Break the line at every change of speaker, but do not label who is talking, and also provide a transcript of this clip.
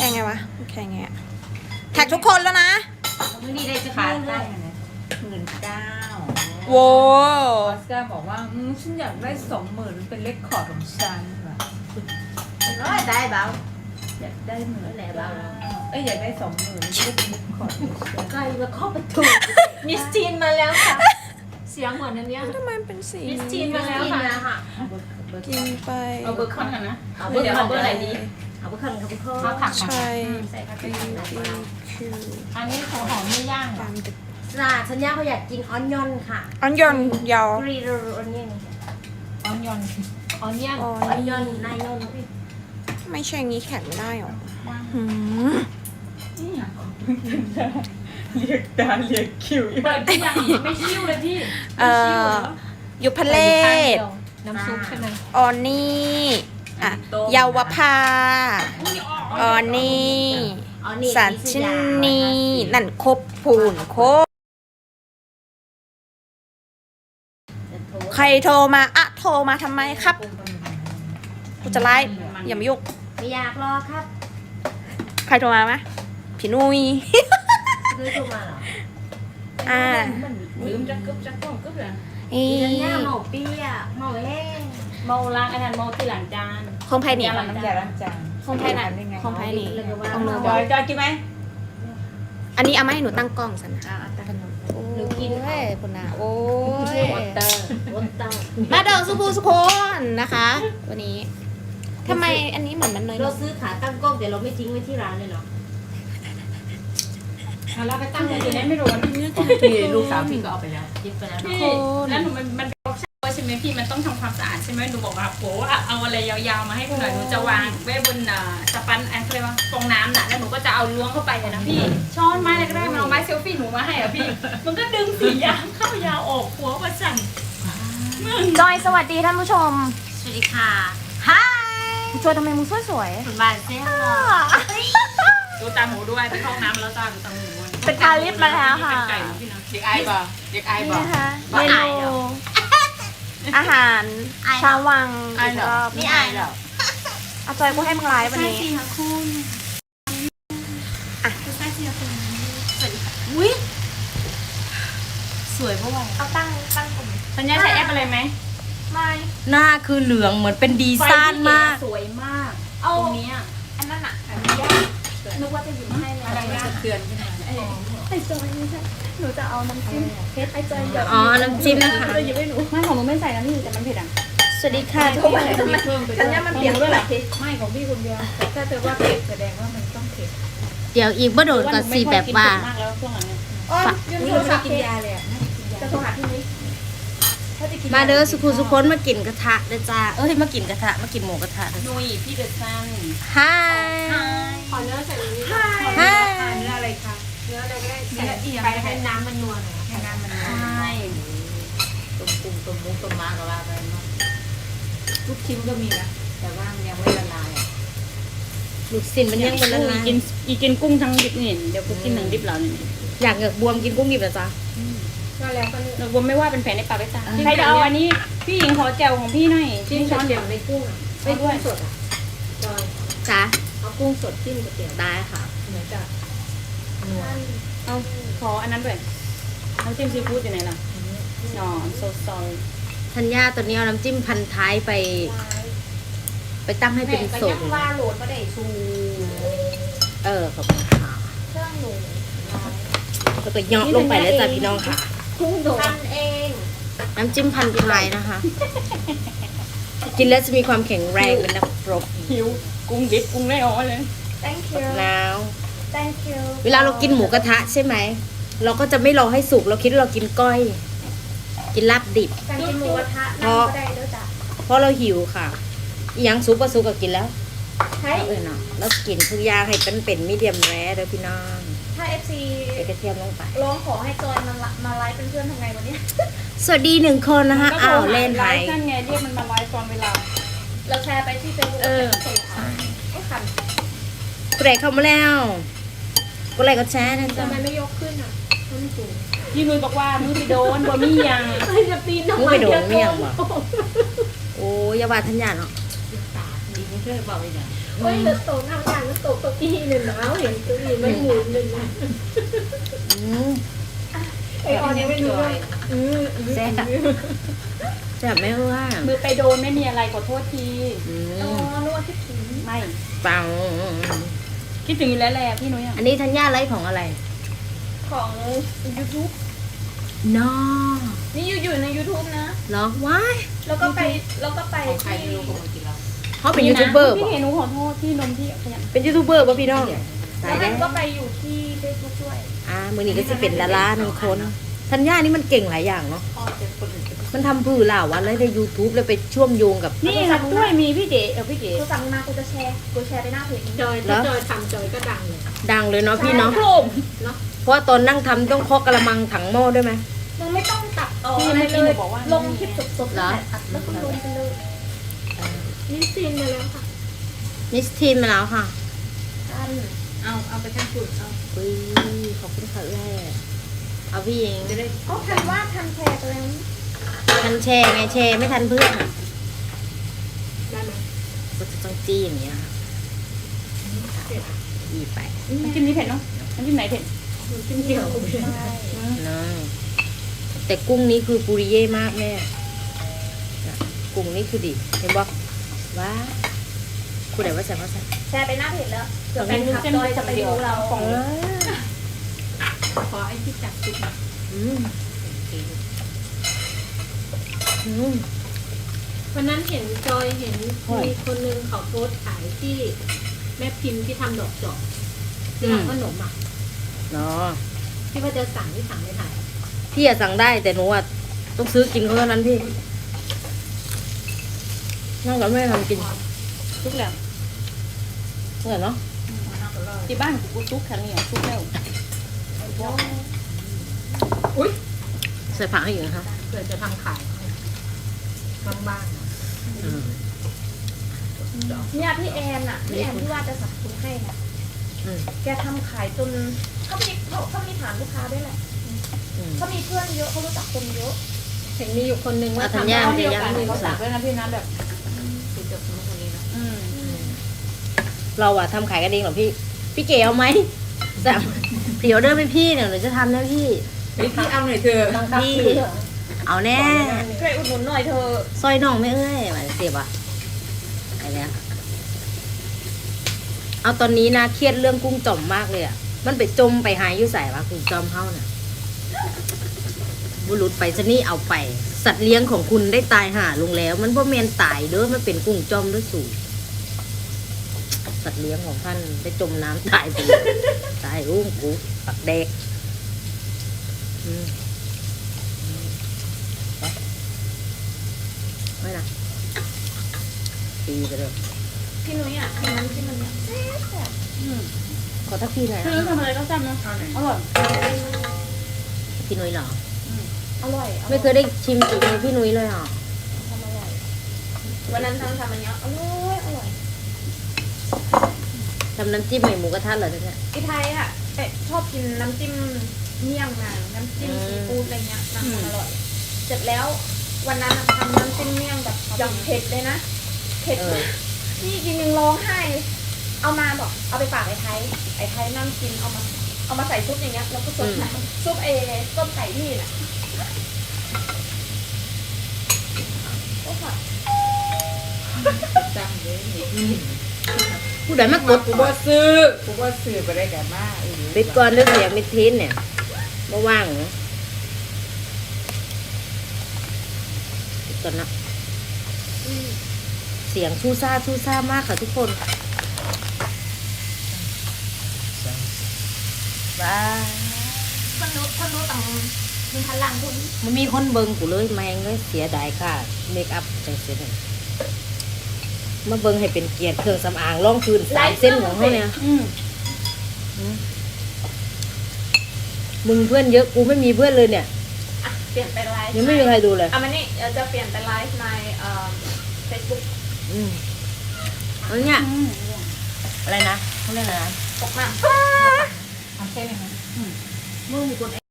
ไงวะแข่งไงอะแท็กทุกคนแล้วนะ
มื้อนี้ได้จะขาดได้19,000
โว้
ออสการ์บอกว่าฉันอยากได้20,000เป็นเลคคอร์ดของฉันว่ะ
ร้อยได้เบา
อยากได้หมื่น
แหละเบา
อยากได้20,000จะได้เป็นเลคคอร์ดของฉัน
ใกล้มาเข้าประตูมิสทีนมาแล้วค่ะเสียงเหมือนอันเนี้ย
ทำไมเป็นสี
มิสทีนมาแล้วค่ะ
กินไป
เอาเบอร์คอนกันนะ
เอาเบอร์คอนเบอร์อะไรดีเอาเบอร์คอนกับเบอร์คอน
เอาผัก
ใช่
ใส่ผัก
บี
ชี
บีคิว
อันนี้ของหอมไม่ย่าง
ตามดึก
สัญญาเขาอยากกินออนยอนค่ะ
อันยอนยาว
กรีโรออนยอน
ออนยอน
ออนยอนออนยอนนายยอน
ไม่ใช่งี้แข็งไม่ได้หรอหืม
เรียกตาเรียกคิว
เปิดที่ยังไม่คิ้วเลยพี่
ยุพเลศ
น้ำซุปใช่ไหม
ออนนี่อ่ะเยาวภาออนนี่สันชินีนั่นครบผูนครบใครโทรมาอะโทรมาทำไมครับกูจะไลฟ์อย่ามายุ่ง
ไม่อยากรอครับ
ใครโทรมาไหมพี่นุ้ย
คือโทรมาเหรอ
อ่า
ลืมจะกึบจะก้องกึบเลย
อี
สัญญาเมาเปี้ยเมาแห้ง
เมาล้างอันนั้นเมาที่หลังจาน
ของไผ่นี่
น้ำยาล้างจาน
ของไผ่น่ะของไผ่นี่ของหนู
จอยกินไหม
อันนี้เอามาให้หนูตั้งกล้องสันนะ
หนูกิน
โอ้ยคุณนาโอ้ย
วอเตอร์วอเตอร์
มาเดินสุภูสุคนนะคะ วันนี้ทำไมอันนี้เหมือนมันเนย
เราซื้อขาตั้งกล้องแต่เราไม่ทิ้งไว้ที่ร้านเลยเนาะ
แล้วไปตั้งอยู่ในไม่รู้ว่าพี่
พี่ลูกสาวพี่ก็เอาไปแล้ว
ยิบไปแล้ว
พี่แล้วหนูมันเป็นใช่ไหมพี่มันต้องทำความสะอาดใช่ไหมหนูบอกว่าโหเอาอะไรยาวๆมาให้หนูหน่อยหนูจะวางไว้บนสปันอะไรเรียกว่าฟองน้ำน่ะแล้วหนูก็จะเอาล้วงเข้าไปเลยนะพี่ช้อนไม้อะไรก็ได้มันเอาไม้เซลฟี่หนูมาให้อ่ะพี่มันก็ดึงสียางเข้ายาวออกหัวประจัน
จอยสวัสดีท่านผู้ชม
สวัสดีค่ะฮาย
จอยทำไมมึงสวย
คุณบ้านเซ่หรอ
ดูตาหมูด้วยไปเข้าห้องน้ำแล้วตาดูตาหมูด้วย
ๆเป็นอาลิฟมาแล้วค่ะ
ไก่พี่นะ
เด็กไอ้บ่เด็กไอ้
นี่
บ่
นะคะเมนูอาหารชาววังอีกรอบ
ไม่อายหรอ
เอาจอยกูให้มึงไลฟ์วันนี้
อุ้ยสวยเพราะว่า
เอาตั้งกลุ่ม
สัญญาใช้แอปอะไรไหม
ไม่
หน้าคือเหลืองเหมือนเป็นดีซ่านมาก
สวยมาก
เอา
ตรงนี้
อันนั้นอะอันนี้นึกว่าจะหยิบให้เลย
อะไรนะ
เตือนขึ้นมา
ไอจอยไม่ใช่หนูจะเอาน้ำจิ้มเพชรไอจอยเดี๋ยว
อ๋อ น้ำจิ้มนะคะ
จะหยิบให้หนู
ไม่ของหนูไม่ใส่น้ำนี่แต่มันเผ็ดอ่ะ
สวัสดีค่ะทุกคนทำไมสัญญามันเปลี่ยนด้วยเหรอ
ไม่ของพี่คนเดียวแต่ถ้าเธอว่าเผ็ดแสดงว่ามันต้องเผ็ด
เดี๋ยวอีกบ่โดดกับสีแบบว่า
มากแล้วช่วงหลังเนี่ย
อ๋อยืน
นี่
โทร
เรา
ศั
ไม่
พท์
กินยาเลยอ่ะ
จะโทรหาพี่นุ้ยถ้าจะกิน
มาเด้อสุขุสุคนมากินกระทะเด้อจ้า เอ้ยมากินกระทะ มากินหมูกระทะเด้อ
นุยพี่เดอะซัน
ฮาย
ขอเนื้อใส่นี้
ฮาย
เนื้ออะไรคะ
เนื้ออะไรก็ได้
เนื้อเอียง
ไปให้น้ำมันนัวหน่อย
ให้น้ำมัน
ใช่
ต้มกุ้งต้มมุกต้มม้าก็ว่าไปเนาะลูกชิ้นก็มีนะแต่ว่ามันยังไม่ละลายอ่ะ
ลูกสินมันยังมันละลาย
กินกุ้งทั้งดิบนี่เดี๋ยวกูกินทั้งดิบแล้วนี่
อยากเหงือกบวมกินกุ้งดิบเหรอจ๊ะ
ก็แล้วก็นี่
เราผมไม่ว่าเป็นแผลในปากไปตาใครจะเอาอันนี้พี่หญิงขอแจวของพี่หน่อย
จิ้ม
ช้อนเดียว
ในกุ้งอ่ะ
ไปด้วย
สดอ่ะจอย
จ้า
เอากุ้งสดจิ้มก๋วยเตี๋ยว
ได้ค่ะ
เหมือนกับนัว
เอาขออันนั้นด้วยน้ำจิ้มซีฟู้ดอยู่ไหนล่ะอ๋อโซซอย
ธัญญาตัวนี้เอาน้ำจิ้มพันท้ายไปตั้งให้เป็นส
แม่
ด
ก็ยังว่าโหลดมาได้ชู
ขอบคุณค่ะ
เครื่องหนู
แล้วก็เหยาะลงไปแล้วจ้ะพี่น้องค่ะ
กุ้งโดดทำเอง
น้ำจิ้มพันท้ายนะคะ กินแล้วจะมีความแข็งแรงเป็นนักรบ
หิวกุ้งดิบกุ้งได้อ๋อเลย
thank you
แล้ว
thank you
เวลาเรากินหมูกระทะใช่ไหม เราก็จะไม่รอให้สุก เราคิดว่าเรากินก้อย กินลาบดิบ
การกินหมูกระทะนั่งก็ได้ด้วยจ้ะ
เพราะเราหิวค่ะอีหยังสุกก็สุกก็กินแล้ว
ใช่
เนาะแล้วกินทุกอย่างให้เป็นมีเดียมแรร์เด้อพี่น้อง
ถ้า FC
ใส่กระเทียมลงไป
ร้องขอให้จอยมาไลฟ์เป็นเพื่อนทำไงวันนี้
สวัสดี1 คนนะคะอ้าวเล่น
ไล
ไห
ฟ์นั่นไงเรียกมันมาไลฟ์ตอนเวลา
เราแชร์ไปที่เฟซบุ๊กไอ้ขัน
กูได้เข้ามาแล้วกูไลค์ก็แชร์นะจ๊ะ
ทำไมไม่ยกขึ้นอ่ะมันสูง
พี่นุ้ยบอกว่ามือไปโดนบ่มียัง
ใครจะปีนทำ
มึง
ไม
ไปโดนเมี่ยงบ่โอ้ยอย่าว่าทัญญาเนาะ
ดีไม่ใช่เบาเลยเนี่ย
เฮ้ยเหลือโตทำงานแล้ว
ตกเก้าอี้เลยนะเห็นเก้าอี้ไม่หมุนเลยนะ ไอออนยังไม่รู้เลย
แซ่บแซ่บไหมว่า
มือไปโดนไม่มีอะไรขอโทษที
อ๋อนึกว่าคิดถึง
ไม่
ปัง
คิดถึงอยู่แล้วแหละพี่นุ้ยอ่ะ
อันนี้ธัญญาไลฟ์ของอะไร
ของ YouTube
นอ
นี่อยู่ใน YouTube นะ
เหรอว้าย
แล้วก็ไป
ของใคร
ที่
ไม่รู้ของมันกินเรา
เขาเป็นยูทูบเบอร์
พี่
ป่ะ
เห็นหนูขอโทษที่นมที่ขยัน
เป็นยูทูบเบอร์ป่ะพี่น้องตาย
แล้ว
แล้
มัน
ว
ก็ไปอยู่ที่ Facebook ด้วย
มือนี้ก็จะเป็นดาราหนึ่งคนธัญญานี่มันเก่งหลายอย่างเนาะ
พ่อเจ็บคนอื่น
มันทำพื้นเหล่าวันแล้วใน YouTube แล้วไปเชื่อมโยงกับ
นี่ค่ะด้วยมีพี่เก๋พี่เก๋
กูสั่งมากูจะแชร์ไปหน้าเพจนี้
จอยถ้าจอยทำจอยก็ดังเลย
ดังเลยเนาะพี่เนาะ
โครม
เพราะว่าตอนนั่งทำต้องเคาะกระมังถังหม้อด้วยไหม
มึงไม่ต้องตัดต่อ
พี่
อะไร
เมื่อ
เล
กี้หนู
ย
บอกว่า
ลงคลิปสดๆ
เหรอ
อัดแล้วก็ลงไปเลย
นี่ซีนมาแล้วค่ะ
มิสทีนมาแล้วค่ะ
อัน
เอาไปทั้งจุดเอา
อุ้ยขอบคุณค่ะแม่เอาพี่เอง
จะได้
ก็ทันว่าทันแชร์ไปแล้ว
ทันแชร์ไงแชร์ไม่ทันเพื่อนอะ
ได้ไหม
ก็จะต้องจี้อย่างเงี้ยค่ะจี้ไป
น้ำจิ้มนี้เผ็ดเนาะน้ำจิ้มไหนเผ็ด
มันจิ้มเกี่ยวกับ
เนาะแต่กุ้งนี้คือปุริเย่มากแม่น่ะกุ้งนี้คือดิเห็นบอกว้าคุณไหนว่าใส่ว่าใส่
แชร์ไปหน้าเพจแล้วเผื่อแฟนคลับจอยจะไปดูเรา
ขอไอ้ที่จับจุดนะ
อืมอืม
วันนั้นเห็นจอยเห็นมีคนนึงเขาโพสต์ขายที่แม่พิมพ์ที่ทำดอกจอกที่ทำขนมอ่ะ
เนาะ
ที่ว่าจะสั่งที่สั่งไม่ได้
พี่อะสั่งได้แต่หนูอะต้องซื้อกินเขาเท่านั้นพี่นั่งกับแม่ทำกิน
ซุกแล้ว
เหมือนเนาะ
ที่บ้านกูซุกครั้งนี้ซุกแล้ว
ใส่ผักให้อยู่นะคะ
เผื่อจะทำขายข้างบ้าน
อืม
เนี่ยพี่แอนอะพี่แอนที่ว่าจะสับคุณให้น่ะ
อืม
แกทำขายจนเขามีฐานลูกค้าด้วยแหละ
อืม
เขามีเพื่อนเยอะเขารู้จักคนเยอะ
เห็นมีอยู่คนนึงว่า
อ่ะธัญ
ทำ
ญา
ได้
เดียวกันเขาสักด้วยนะพี่นะแบบ
ติดกับคนนี้นะ
เราอะทำขายกันเองเหรอพี่ พี่เก๋เอาไหมสั่งพรีออเดอร์ไปพี่เนี่ยหนูจะทำนะพี่
พี่เอาหน่อยเถอะ
พี่เอาแน่
ช่วยอุดหนุนหน่อยเธอ
ซอยน้องไม่เอ้ยหวานเสียบอะไอ้เนี้ยเอาตอนนี้นะเครียดเรื่องกุ้งจ่อมมากเลยอะมันไปจมไปหายอยู่ใส่วะกุ้งจ่อมเฮาน่ะบุรุษไปซะนี่เอาไป สัตว์เลี้ยงของคุณได้ตายห่าลงแล้ว มันบ่แมนตายเด้อมันเป็นกุ้งจ่อมด้วยสูสัตว์เลี้ยงของท่านได้จมน้ำตายไปเลยตายอุ้งกูปักแดกอืมไม่นะตีไปเลย
พี่นุ้ยอะทำน้ำจิ้มมันเนี่ยแซ่บ
ขอทักทีหน่อย
พี่
นะ
นุ้ยทำอะไรก็แซ่บนะอร่อย
พี่นุ้ยเหรอ
อร่อย
ไม่เคยได้ชิมฝีมือพี่นุ้ยเลยเหรอ
ทำอร่อยวันนั้นทำอันเนี้ยอร่อย
ทำน้ำจิ้มใหม่หมูกระทะเหรอเนี่ย
พี่ไทยอะชอบกินน้ำจิ้มเมี่ยงนางน้ำจิ้มซีฟู้ดอะไรเงี้ยนางทำอร่อย เสร็จแล้ววันนั้นอะทำน้ำจิ้มเมี่ยงแบบอย่างเผ็ดเลยนะเผ็ดมากนี่กินยังร้องไห้เลยเอามาบอกเอาไปฝากไอ้ไทยนั่งกินเอามาใส่ซุปอย่างเงี้ยแล้วก็ซดน้ำซุปต้มไก่นี่น่ะโอ้ค่ะ
จังเลยนี่
ผู้ใดมากด
กูว่าซื้อไปได้กันมาก
ปิดก่อนเรื่องเสียงมิดทินเนี่ยบ่ว่างเหรอปิดก่อนนะเสียงชูซ่ามากค่ะทุกคนว้า
คนรู้ต่างมีพลังคุณ
มันมีคนเบิงกูเลยแมงเลยเสียดายค่ะเมคอัพจังเสียเลยมาเบิงให้เป็นเกียรติเครื่องสำอางร่องพื้น3 เส้นของเขาเนี่ย มึงเพื่อนเยอะกูไม่มีเพื่อนเลยเนี่ย
อ่ะเปลี่ยนเป็นไลฟ์
ยังไม่มีใครดูเลย
มันนี่จะเปลี่ยนเป็นไลฟ์ในFacebook
แล้วเนี่ยอะไรนะเขาเรียกอะไรนะ
ตกมา
ทำแค่ไหนคะ
มึงมีคน